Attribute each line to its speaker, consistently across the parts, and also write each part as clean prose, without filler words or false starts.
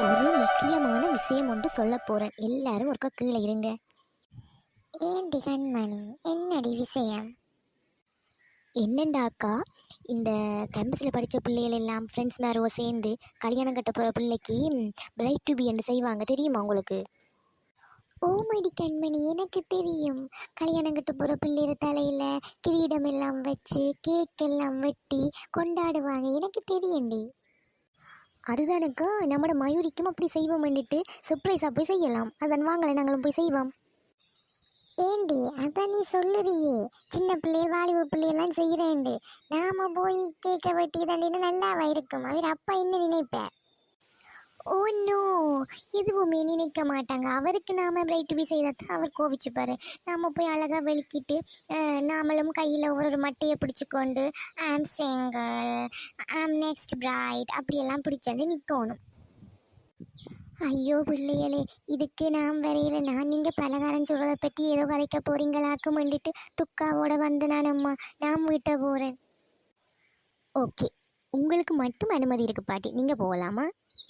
Speaker 1: ஒரு முக்கியமான விஷயம் ஒன்று சொல்ல போறேன். எல்லாரும் ஒருக்கா கீழே இருங்க.
Speaker 2: ஏண்டி கண்மணி, என்னடி விஷயம்?
Speaker 1: என்னண்டாக்கா, இந்த கேம்பஸில் படித்த பிள்ளைகள் எல்லாம் ஃப்ரெண்ட்ஸ் மேரோ சேர்ந்து கல்யாணம் கட்ட போகிற பிள்ளைக்கு பிரைட் டு பி என்று செய்வாங்க, தெரியுமா உங்களுக்கு?
Speaker 2: ஓமடி கண்மணி, எனக்கு தெரியும். கல்யாணம் கட்ட போகிற பிள்ளைற தலையில் கிரீடம் எல்லாம் வச்சு கேக் எல்லாம் வெட்டி கொண்டாடுவாங்க, எனக்கு தெரியும்டி.
Speaker 1: அதுதானக்கா, நம்மளோட மயூரிக்கும் அப்படி செய்வோம் பண்ணிட்டு சர்ப்ரைஸாக போய் செய்யலாம். அதான் வாங்கலை, நாங்களும் போய் செய்வோம்.
Speaker 2: ஏண்டி அதான் நீ சொல்லுறியே, சின்ன பிள்ளை வாலிப பிள்ளையெல்லாம் செய்கிறேன்டு. நாம போய் கேட்க வெட்டி தாண்டினா நல்லாவா இருக்கும்? அவர் அப்பா என்ன நினைப்பார்?
Speaker 1: ஓ நோ, எதுவுமே நினைக்க மாட்டாங்க. அவருக்கு நாம பிரைட் டு பி செய்தால் அவர் கோவிச்சுப்பாரு. நாம போய் அழகாக வெளிக்கிட்டு நாமளும் கையில் ஒரு மட்டையை பிடிச்சிக்கொண்டு ஆம் சிங்கிள், ஆம் நெக்ஸ்ட் பிரைட் அப்படியெல்லாம் பிடிச்சாண்டு நிற்கணும். ஐயோ பிள்ளைகளே, இதுக்கு நாம் வரையில நான் நீங்கள் பலகாரம் சொல்கிறத பற்றி ஏதோ கதைக்க போறீங்களாக்கும் வந்துட்டு துக்காவோட வந்து நான் வீட்டை போகிறேன். ஓகே, உங்களுக்கு மட்டும் அனுமதி இருக்கு பாட்டி, நீங்கள் போகலாமா?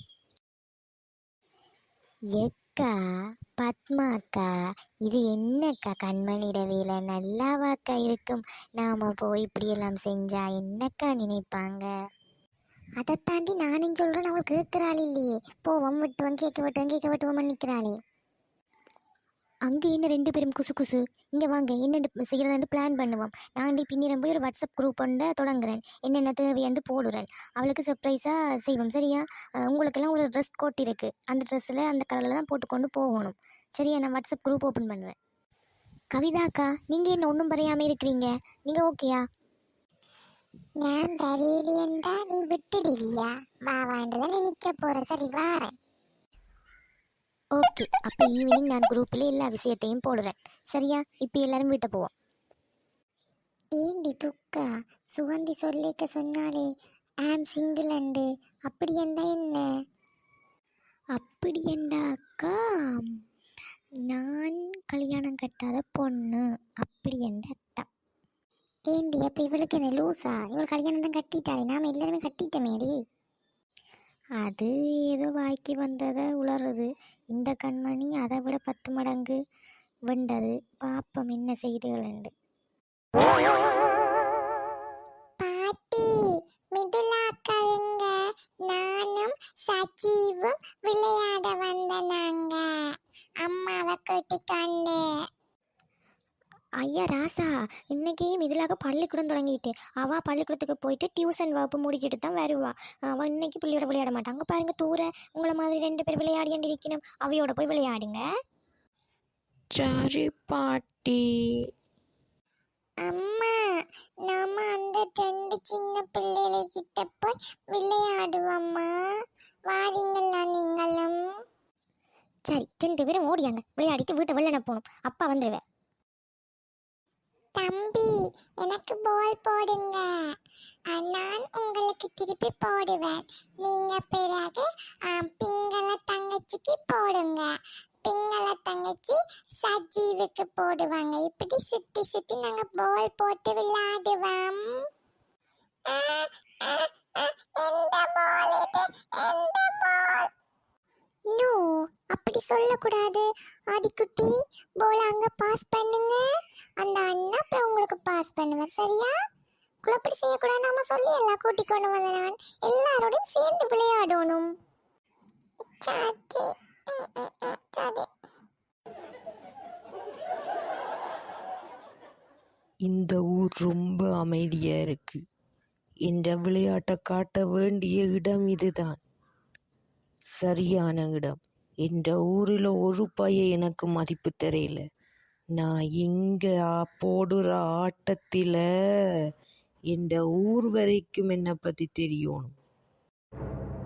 Speaker 1: எக்கா பத்மாக்கா, இது என்னக்கா கண்மணிட வேலை? நல்லாவாக்கா இருக்கும்? நாம் போய் இப்படியெல்லாம் செஞ்சா என்னக்கா நினைப்பாங்க?
Speaker 2: அதை தாண்டி நானும் சொல்கிறேன், அவள் கேட்குறாள் இல்லையே. போவோம் வெட்டுவோம் கேட்க வெட்டுவோம் நிற்கிறாளே.
Speaker 1: அங்கே என்ன ரெண்டு பேரும் குசு குசு, இங்கே வாங்க என்ன செய்கிறதான்னு பிளான் பண்ணுவோம். நான் பின்னிரம் போய் ஒரு வாட்ஸ்அப் குரூப் ஒன்று தொடங்குறேன், என்னென்ன தேவையாண்டு போடுறேன். அவளுக்கு சர்ப்ரைஸாக செய்வோம், சரியா? உங்களுக்கெல்லாம் ஒரு ட்ரெஸ் கோட் இருக்குது, அந்த ட்ரெஸ்ஸில் அந்த கலரில் தான் போட்டுக்கொண்டு போகணும், சரியா? நான் வாட்ஸ்அப் குரூப் ஓப்பன் பண்ணுவேன். கவிதாக்கா, நீங்கள் என்ன ஒன்றும் பறையாமல் இருக்கிறீங்க, நீங்கள் ஓகேயா?
Speaker 2: நான் வரையிலேண்டா நீ விட்டுடுவியா? வா வாண்டதான் நிற்க போகிற, சரி வாரேன்.
Speaker 1: ஓகே, அப்போ ஈவினிங் நான் குரூப்பில் எல்லா விஷயத்தையும் போடுறேன், சரியா? இப்போ எல்லாரும் வீட்டை போவோம்.
Speaker 2: ஏண்டி துக்கா, சுகந்தி சொல்லிக்க சொன்னாலே ஆம் சிங்கிள் அண்டு, அப்படி என்றா என்ன?
Speaker 1: அப்படி என்றா அக்கா, நான் கல்யாணம் கட்டாத பொண்ணு அப்படி என்ற அர்த்தம்.
Speaker 2: ஏண்டி அப்போ இவளுக்கு என்ன லூஸா? இவள் கல்யாணம் தான் கட்டிட்டாளே, நாம் எல்லாருமே கட்டிட்டமேடி.
Speaker 1: அது ஏதோ வாய்க்கு வந்ததை உளறுது. இந்த கண்மணி அதை விட 10 மடங்கு வெண்டது. பாப்பம் என்ன செய்துகள்.
Speaker 2: பாட்டி, மிதுலாக்கா எங்க? நானும் சஜீவும் விளையாட வந்த நாங்க. அம்மாவை கூட்டிக்கொண்டு.
Speaker 1: ஐயா ராசா, இன்னைக்கு மிதிலாக பள்ளிக்கூடம் தொடங்கிட்டு, அவள் பள்ளிக்கூடத்துக்கு போயிட்டு டியூஷன் வகுப்பு முடிச்சுட்டு தான் வருவா. அவள் இன்னைக்கு பிள்ளையோட விளையாட மாட்டாங்க பாருங்க. தூர உங்களை மாதிரி 2 பேர் விளையாடியாண்டு இருக்கணும், அவையோட போய் விளையாடுங்க.
Speaker 3: சரி பாட்டி.
Speaker 2: அம்மா, நாம அந்த 2 சின்ன பிள்ளைகிட்ட போய் விளையாடுவோம்மா, வாரீங்களா நீங்களும்?
Speaker 1: சரி, 2 பேரும் ஓடியாங்க, விளையாடிட்டு வீட்டை வெள்ளன போகணும், அப்பா வந்துடுவேன்.
Speaker 2: தம்பி, எனக்கு பால் போடுங்க, நான் உங்களுக்கு திருப்பி போடுவேன். நீங்க பிறகு பிங்கள தங்கச்சிக்கு போடுங்க, பிங்கள தங்கச்சி சஜீவுக்கு போடுவாங்க. இப்படி சுத்தி சுத்தி நாங்க பால் போட்டு விளையாடுவோம். எந்த பால் இது? எந்த பால்? நோ, அப்படி சொல்லக்கூடாது ஆதிக்குட்டி. போல அங்க பாஸ் பண்ணுங்க, அந்த அண்ணா அப்புறம் உங்களுக்கு பாஸ் பண்ணுவார், சரியா? குழப்படி செய்யக்கூடாது, நாம சொல்லி எல்லாம் கூட்டி கொண்டு வந்த நான் எல்லாரோடையும் சேர்ந்து விளையாடணும். சரி சரி.
Speaker 3: இந்த ஊர் ரொம்ப அமைதியா இருக்கு. என்ற விளையாட்டை காட்ட வேண்டிய இடம் இதுதான், சரியான இடம். என்ற ஊரில் ஒரு பைய எனக்கு மதிப்பு தெரியல. நான் இங்க போடுற ஆட்டத்தில் என்ற ஊர் வரைக்கும் என்னை பற்றி தெரியணும்.